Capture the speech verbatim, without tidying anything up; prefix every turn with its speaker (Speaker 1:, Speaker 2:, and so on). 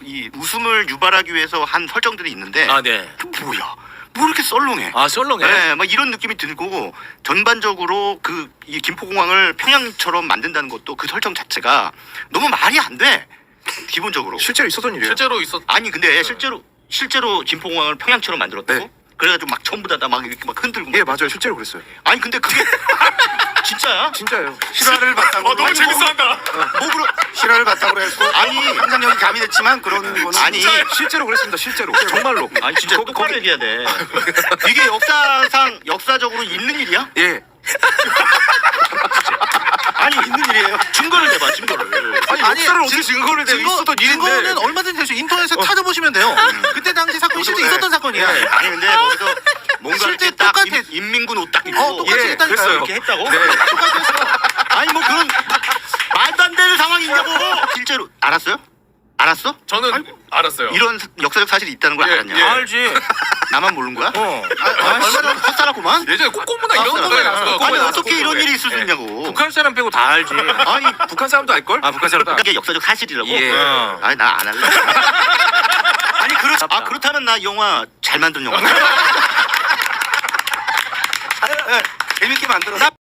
Speaker 1: 이 웃음을 유발하기 위해서 한 설정들이 있는데
Speaker 2: 아, 네.
Speaker 1: 그 뭐야? 뭐 이렇게 썰렁해?
Speaker 2: 아, 썰렁해.
Speaker 1: 네, 막 이런 느낌이 들고 전반적으로 그 이 김포공항을 평양처럼 만든다는 것도 그 설정 자체가 너무 말이 안 돼. 기본적으로.
Speaker 3: 실제로 있었던 일이에요.
Speaker 4: 실제로 있었.
Speaker 1: 아니 근데 실제로 실제로 김포공항을 평양처럼 만들었다고?
Speaker 3: 네.
Speaker 1: 그래가지고 막 전부 다 막 이렇게 막 흔들고.
Speaker 3: 예, 맞아요. 실제로 그랬어요.
Speaker 1: 아니 근데 그게 진짜야?
Speaker 3: 진짜요.
Speaker 5: 실화를 바탕으로
Speaker 4: 어, 너무 재밌어한다.
Speaker 1: 뭐 그런
Speaker 5: 실화를 바탕으로 해서
Speaker 1: 아니
Speaker 5: 상상력이 가미됐지만 그런 거는
Speaker 1: 아니
Speaker 3: 실제로 그랬습니다. 실제로. 정말로.
Speaker 1: 아니 진짜
Speaker 3: 거-
Speaker 1: 똑바로
Speaker 3: 거기-
Speaker 1: 얘기해야 돼. 이게 역사상 역사적으로 있는 일이야?
Speaker 3: 예.
Speaker 1: 아니 있는 일이에요. 증거를 내봐 증거를.
Speaker 3: 아니,
Speaker 6: 아니,
Speaker 3: 역사를 어떻게
Speaker 6: 증-
Speaker 3: 증거를 내
Speaker 6: 증거,
Speaker 3: 있었던 일인데.
Speaker 6: 증거는 얼마든지 될 수 있어요. 인터넷에 찾아보시면 돼요. 그때 당시 사건이 실제
Speaker 3: 네.
Speaker 6: 있었던 사건이야.
Speaker 1: 아니 근데 거기서 뭔가
Speaker 6: 실제
Speaker 1: 이렇게 딱
Speaker 6: 똑같아.
Speaker 1: 인- 인민군 옷 딱 입고
Speaker 6: 어, 똑같이
Speaker 3: 예,
Speaker 6: 했다니까요.
Speaker 3: 그랬어요.
Speaker 1: 이렇게 했다고?
Speaker 3: 네.
Speaker 1: 아니 뭐 그런 말도 안 되는 상황이 있냐고. 실제로 알았어요? 알았어?
Speaker 4: 저는 알았어요.
Speaker 1: 이런 사- 역사적 사실이 있다는 걸
Speaker 4: 예,
Speaker 1: 알았냐?
Speaker 4: 예.
Speaker 2: 알지.
Speaker 1: 나만 모르는 거야?
Speaker 2: 어.
Speaker 1: 아, 아, 얼마 전에 헛살았구만.
Speaker 4: 예전에 콧고무나 이런
Speaker 1: 아,
Speaker 4: 거에
Speaker 1: 아,
Speaker 4: 나왔어.
Speaker 1: 아니 어떻게 이런 일이 있을 수 있냐고.
Speaker 2: 북한 사람 빼고 다 알지.
Speaker 1: 아니
Speaker 3: 북한 사람도 알걸?
Speaker 2: 아, 북한 사람 다.
Speaker 1: 이게 역사적 사실이라고?
Speaker 3: 예.
Speaker 2: 어.
Speaker 1: 아니 나 안 할래. 아니 그렇 아 그렇다면 나 영화 잘 만든 영화.
Speaker 5: 재밌게 만들어서